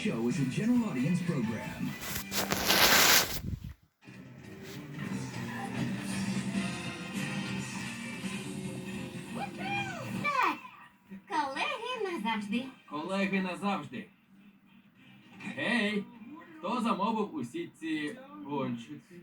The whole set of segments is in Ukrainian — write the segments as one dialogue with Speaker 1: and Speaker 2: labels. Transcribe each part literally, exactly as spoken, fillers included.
Speaker 1: show is a general audience program.
Speaker 2: Так, колеги назавжди.
Speaker 3: Колеги назавжди. Гей, хто замовив усі ці пончики?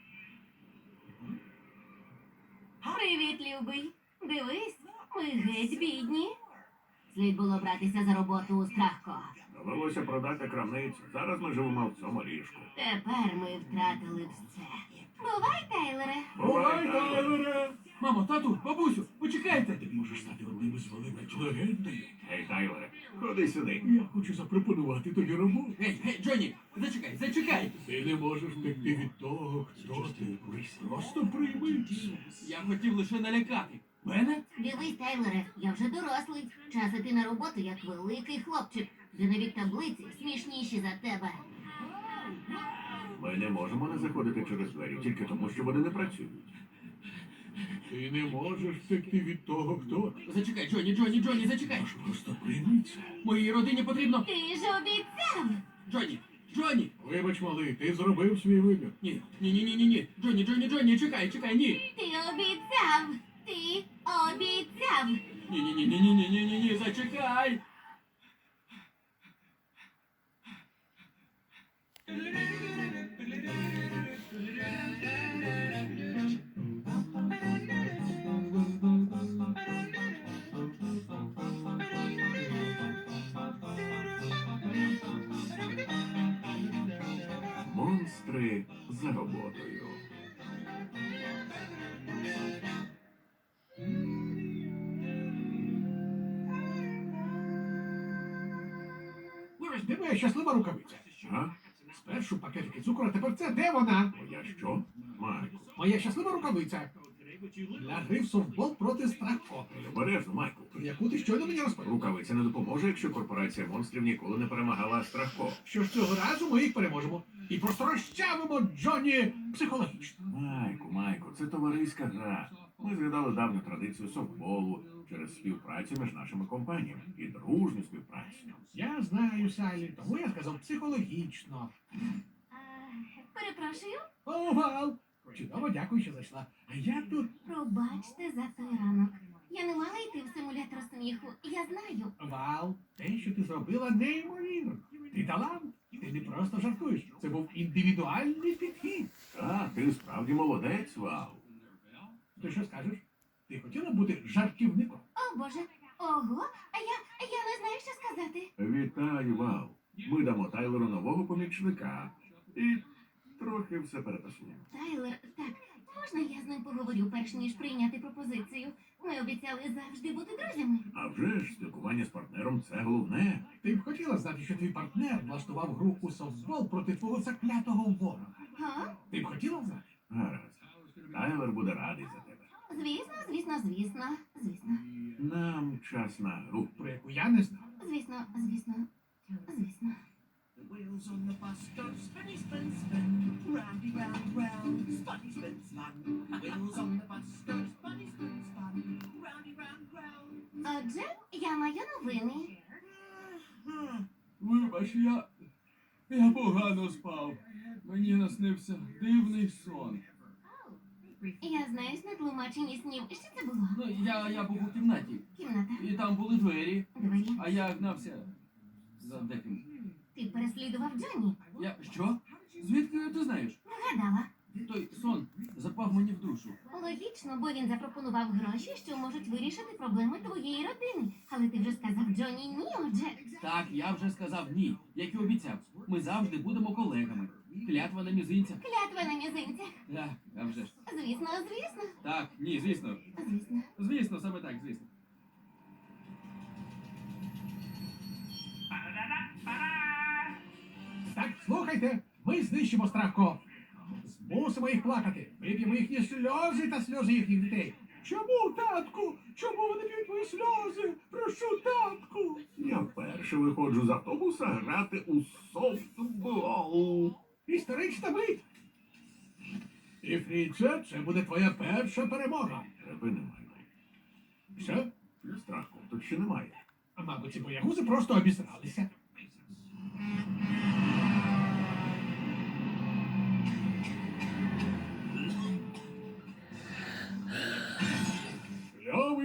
Speaker 2: Привіт, любий. Дивись, ми геть бідні. Слід було братися за роботу у Страхко.
Speaker 4: Довелося продати крамницю. Зараз ми живемо в цьому ліжку.
Speaker 2: Тепер ми втратили все. Бувай, Тайлере.
Speaker 4: Бувай, Тайлере!
Speaker 3: Мамо, тату, бабусю, почекайте!
Speaker 5: Ти можеш стати одним із великих легендою.
Speaker 4: Гей, Тайлере, ходи сюди.
Speaker 5: Я хочу запропонувати тобі роботу.
Speaker 3: Гей, гей, Джонні, зачекай, зачекай!
Speaker 5: Ти не можеш втекти від того, хто ти. Просто прийми це.
Speaker 3: Я хотів лише налякати. Мене?
Speaker 2: Дивись, Тайлере, я вже дорослий. Час іти на роботу як великий хлопчик, де навіть таблиці смішніші за тебе.
Speaker 4: Ми не можемо не заходити через двері, тільки тому, що вони не працюють.
Speaker 5: Ти не можеш втекти від того, хто ти.
Speaker 3: Зачекай, Джонні, Джонні, Джонні, зачекай!
Speaker 5: Просто прийми це.
Speaker 3: Моїй родині потрібно...
Speaker 2: Ти ж обіцяв.
Speaker 3: Джонні, Джонні!
Speaker 5: Вибач, малий, ти зробив свій вибір.
Speaker 3: Ні, ні, ні, ні, ні, ні. Джонні, Джонні, Джонні, чекай, чекай, ні.
Speaker 2: Ти обіцяв. Ти обіцяв.
Speaker 3: Ні, ні, ні, ні, ні, ні, ні, ні, ні, зачекай.
Speaker 4: Монстри за роботою.
Speaker 5: Де моя щаслива рукавиця?
Speaker 4: А?
Speaker 5: Спершу пакетики цукру, а тепер це. Де вона?
Speaker 4: Моя що? Майку.
Speaker 5: Моя щаслива рукавиця. Для гри в софтбол проти Страхко.
Speaker 4: Обережно, Майку.
Speaker 5: Яку ти щойно мені розповів.
Speaker 4: Рукавиця не допоможе, якщо корпорація монстрів ніколи не перемагала Страхко.
Speaker 5: Що ж цього разу ми їх переможемо. І просто розчавимо Джонні психологічно.
Speaker 4: Майку, Майку, це товариська гра. Ми згадали давню традицію софтболу через співпрацю між нашими компаніями і дружню співпрацю.
Speaker 5: Я знаю, Салі, тому я сказав психологічно.
Speaker 2: А, перепрошую,
Speaker 5: О, Вал! Чудово, дякую, що зайшла. А я тут.
Speaker 2: пробачте за той ранок. Я не мала йти в симулятор сміху. Я знаю.
Speaker 5: Вал, те, що ти зробила, неймовірно. Ти талант. Ти не просто жартуєш. Це був індивідуальний підхід.
Speaker 4: Так, ти справді молодець, Вау.
Speaker 5: Ти що скажеш? Ти хотіла бути жартівником?
Speaker 2: О, Боже. Ого, а я, я не знаю, що сказати.
Speaker 4: Вітаю, Вау. Ми дамо Тайлеру нового помічника. І трохи все переписуємо.
Speaker 2: Тайлер, так, можна я з ним поговорю, перш ніж прийняти пропозицію? Ми обіцяли завжди бути друзями.
Speaker 4: А вже ж, спілкування з партнером – це головне.
Speaker 5: Ти б хотіла знати, що твій партнер влаштував гру у софтбол проти твого заклятого ворога.
Speaker 2: Га?
Speaker 5: Ти б хотіла знати?
Speaker 4: Гаразд. Тайлер буде радий за тебе.
Speaker 2: Звісно, звісно, звісно, звісно.
Speaker 4: Нам час на гру.
Speaker 5: Про яку я не знав.
Speaker 2: Звісно, звісно, звісно.
Speaker 6: The wheels on the bus go spinny, spin, spin, roundy, round, round, spinny, spin, spun. Wheels on the bus go spinny, spin, spun, roundy, round, round.
Speaker 2: Отже, я маю новини.
Speaker 3: Вибач, я... Я погано спав. Мені наснився дивний сон.
Speaker 2: Я знаю тлумачення снів. Що це було?
Speaker 3: Ну, я, я був у кімнаті,
Speaker 2: Кімната.
Speaker 3: і там були двері,
Speaker 2: Двері.
Speaker 3: а я гнався за деким.
Speaker 2: Ти переслідував Джонні.
Speaker 3: Я... Що? Звідки ти знаєш?
Speaker 2: Вгадала.
Speaker 3: Той сон запав мені в душу.
Speaker 2: Логічно, бо він запропонував гроші, що можуть вирішити проблеми твоєї родини. Але ти вже сказав Джонні ні, отже.
Speaker 3: Так, я вже сказав ні, як і обіцяв. Ми завжди будемо колегами. Клятва на мізинцях.
Speaker 2: Клятва на мізинцях.
Speaker 3: Так, а вже ж.
Speaker 2: Звісно, звісно,
Speaker 3: Так, ні, звісно.
Speaker 2: звісно.
Speaker 3: Звісно, саме так, звісно.
Speaker 5: Так, слухайте, ми знищимо Страхко. Змусимо їх плакати. Вип'ємо їхні сльози та сльози їхніх дітей. Чому, татку? Чому вони п'ють мої сльози? Прошу, татку.
Speaker 4: Я вперше виходжу з автобуса грати у софтбол.
Speaker 5: Історична мить. І, Фріце, це буде твоя перша перемога.
Speaker 4: Припини, Майку.
Speaker 5: Що?
Speaker 4: Страху тут ще немає.
Speaker 5: А мабуть, ці боягузи просто обісралися.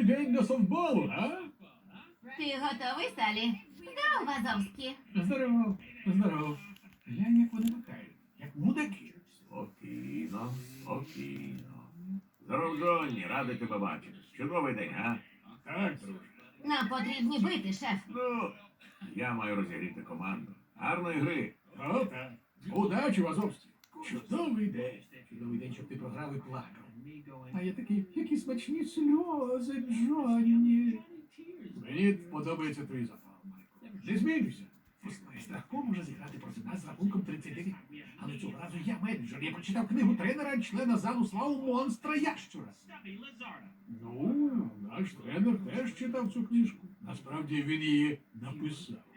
Speaker 5: день на софтболу, а?
Speaker 2: Ти готовий, Салі? Здоров, Вазовський.
Speaker 5: Здорово, здорово. Глянь, як вони махають, як мудаки.
Speaker 4: Спокійно, спокійно. Здоров, Джонні, радий тебе бачити. Чудовий день, а?
Speaker 5: Так, друже.
Speaker 2: Нам потрібні бити, шеф.
Speaker 4: Ну, я маю розігріти команду. Гарної гри.
Speaker 5: О, так. Удачі, Вазовський. Чудовий день. Чудовий день, щоб ти програв і плакав. А я такий, які смачні сльози, Джонні. Мені подобається твій запал, Майку. Не змінюйся. Послухай, Страхко може зіграти проти нас з рахунком тридцять дев'ять. Але цього разу я менеджер. Я прочитав книгу тренера, члена залу славу монстра Ящура. Ну, наш тренер теж читав цю книжку. Насправді він її написав.